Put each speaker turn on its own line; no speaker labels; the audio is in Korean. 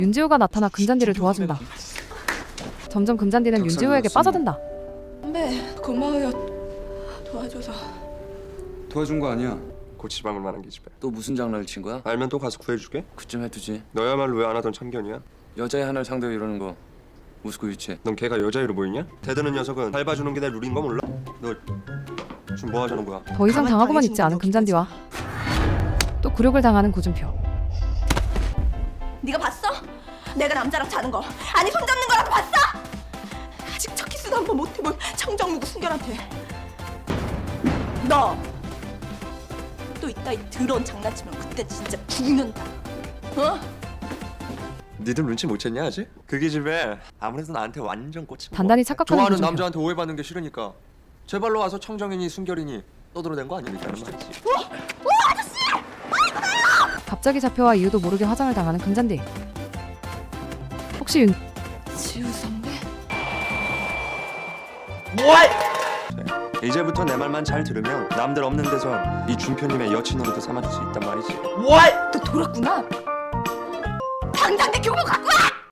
윤지호가 나타나 금잔디를 도와준다. 점점 금잔디는 윤지호에게 빠져든다.
선배 고마워요. 도와줘서.
도와준 거 아니야.
고치지 막을 만한 기집애.
또 무슨 장난을 친 거야?
알면 또 가서 구해줄게.
그쯤 해두지.
너야말로 왜 안 하던 참견이야?
여자의 하나를 상대로 이러는 거 무스고 유치해.
넌 걔가 여자애로 보이냐? 대드는 녀석은 밟아주는 게 내 룰인 거 몰라? 너 지금 뭐 하자는 거야?
더 이상 당하고만 있지 않은 금잔디와 또 굴욕을 당하는 고준표.
네가 봤어? 내가 남자랑 자는 거 아니 손잡는 거라도 봤어? 아직 첫 키스도 한 번 못 해본 청정무구 순결한테 너 또 이따 이 더러운 장난치면 그때 진짜 죽는다. 어?
니들 눈치 못 챘냐 아직? 그 기집애 아무래도 나한테 완전 꽂힌 거.
단단히 착각하는
좋아하는
고준표.
남자한테 오해받는 게 싫으니까 제 발로 와서 청정이니 순결이니 떠들어댄 거 아니니까 말이지.
갑자기 잡혀와 이유도 모르게 화장을 당하는 금잔디. 혹시 윤
지우 선배?
이제부터 내 말만 잘 들으면 남들 없는 데서 이 준표님의 여친으로도 삼아줄 수 있단 말이지.
너 돌았구나. 당장 내 교복 갖고 와!